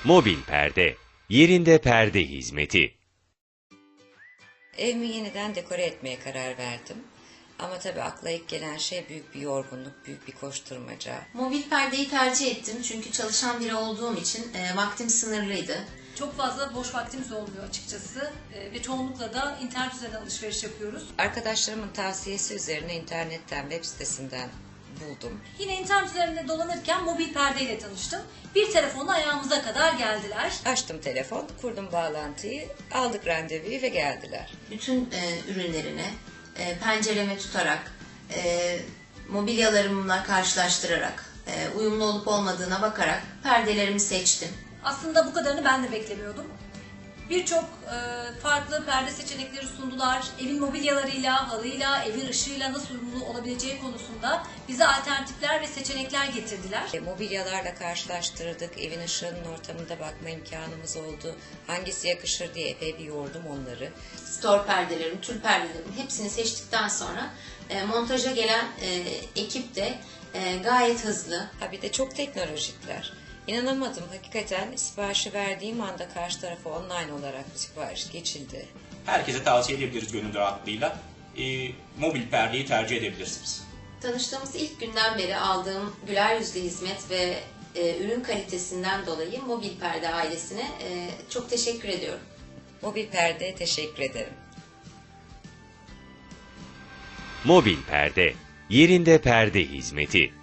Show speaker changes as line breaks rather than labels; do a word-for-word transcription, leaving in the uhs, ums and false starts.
Mobil perde, yerinde perde hizmeti.
Evimi yeniden dekore etmeye karar verdim. Ama tabii akla ilk gelen şey büyük bir yorgunluk, büyük bir koşturmaca.
Mobil perdeyi tercih ettim çünkü çalışan biri olduğum için e, vaktim sınırlıydı.
Çok fazla boş vaktimiz olmuyor açıkçası e, ve çoğunlukla da internet üzerinden alışveriş yapıyoruz.
Arkadaşlarımın tavsiyesi üzerine internetten, web sitesinden buldum.
Yine internet üzerinde dolanırken mobil perdeyle tanıştım. Bir telefonla ayağımıza kadar geldiler.
Açtım telefon, kurdum bağlantıyı, aldık randevuyu ve geldiler.
Bütün e, ürünlerini e, pencereme tutarak, e, mobilyalarımla karşılaştırarak, e, uyumlu olup olmadığına bakarak perdelerimi seçtim.
Aslında bu kadarını ben de beklemiyordum. Birçok e, farklı perde seçenekleri sundular. Evin mobilyalarıyla, halıyla, evin ışığıyla nasıl uyumlu olabileceği konusunda bize alternatifler ve seçenekler getirdiler.
E, mobilyalarla karşılaştırdık, evin ışığının ortamında bakma imkanımız oldu. Hangisi yakışır diye epey bir yordum onları.
Store perdelerim, tül perdelerim hepsini seçtikten sonra e, montaja gelen e, ekip de e, gayet hızlı.
Ha bir de çok teknolojikler. İnanamadım hakikaten siparişi verdiğim anda karşı tarafa online olarak sipariş geçildi.
Herkese tavsiye edebiliriz gönül rahatlığıyla. E, mobil perdeyi tercih edebilirsiniz.
Tanıştığımız ilk günden beri aldığım güler yüzlü hizmet ve e, ürün kalitesinden dolayı Mobil Perde ailesine e, çok teşekkür ediyorum.
Mobil perdeye teşekkür ederim.
Mobil perde, yerinde perde hizmeti.